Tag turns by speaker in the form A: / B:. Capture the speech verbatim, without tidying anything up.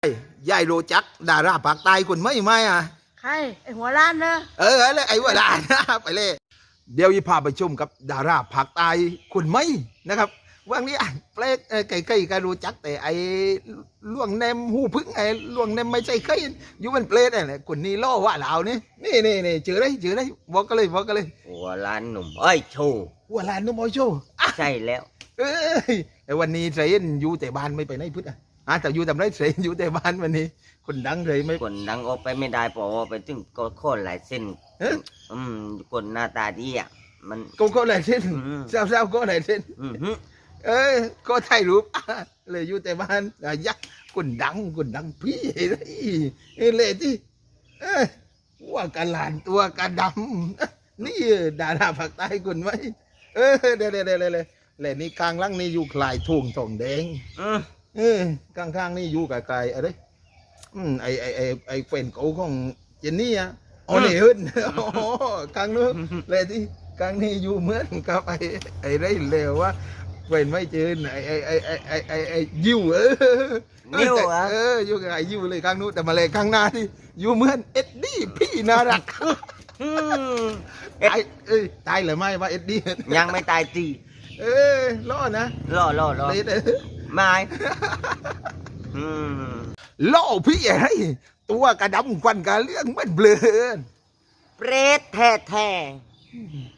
A: ยายรู้จักดาราภาคใต้คนไหมไหมอ่ะ
B: ใครไอหัวล้านเนอะ
A: เอออะไรไอ้ว่าลานไปเลยเดี๋ยวยีพาไปชมกับดาราภาคใต้คนไหมนะครับว่างนี้อ่ะเปลกไก่ไก่ก็รู้จักแต่ไอ้ล่วงแนมหูพึ่งไอ้ล่วงแนมไม่ใช่เคยอยู่มันเปลกอะไรคนนี้ล่อว่าเหล่านี่นี่นี่นี่เจอได้เจอได้บอกกันเลยบอกกันเลย
C: หัวล้านหนุ่มเอ้ยโชว์
A: ว่าลานนุ่มโอโช
C: ใช่แล้ว
A: เอ้ยแต่วันนี้เทรนอยู่แต่บ้านไม่ไปไหนพึ่งอ่ะอ่ะแต่อยู่ทำไรเทรนอยู่แต่บ้านวันนี้คนดังเลยไม่
C: คนดังออกไปไม่ได้เพราะว่าไปถึงก็โค่นหลายเส้น
A: เอ๊ะ
C: อืมคนหน้าตาดีอ่ะมัน
A: ก็ก็หลายเส้น
C: อืม
A: เศร้าๆก็หลายเส้น
C: อือหือ
A: เอ้ยก็ถ่ายรูป เลยอยู่แต่บ้านอ่ะยักษ์คนดังคนดังพี่เลยเอ้ยเลยที่เอ้ยว่ากันหลานตัวกันดำ นี่ดาราภาคใต้คนไหมเออเดี๋ยวเดี๋ยวเดี๋ยวเดี๋ยวเลยนี่กลางล่างนี่อยู่คลายทุ่งทองแดง
C: อืม
A: เออกลางข้างนี่อยู่ไกลๆอะไรอืมไอไอไอไอแฟนเก่าของเจนนี่อ่ะอ๋อนี่เฮิรน อ๋อกลางนู้นเลยที่กลางนี่อยู่เหมือนกับไอไอไรเลวว่าแฟนไม่เจอไอไอไอไอไอไอไอยิวเออ
C: นิ้วเหรอ
A: เอออยู่กับไอยิวเลยกลางนู้นแต่มาเลยข้างหน้าที่อยู่เหมือนเอ็ดดี้พี่น่ารัก
C: อืมเอ็ด
A: ตายเอ้ยตายหรือไม่ว่าเอ็ดดี้
C: ยังไม่ตายตี
A: เออรอดนะ
C: รอรอรอ
A: เลยเออ
C: ไม่อืม
A: ล่อพี่อะไรตัวกระดำควันกระเรื่องมันเบลอ
C: เปรตแท้แท้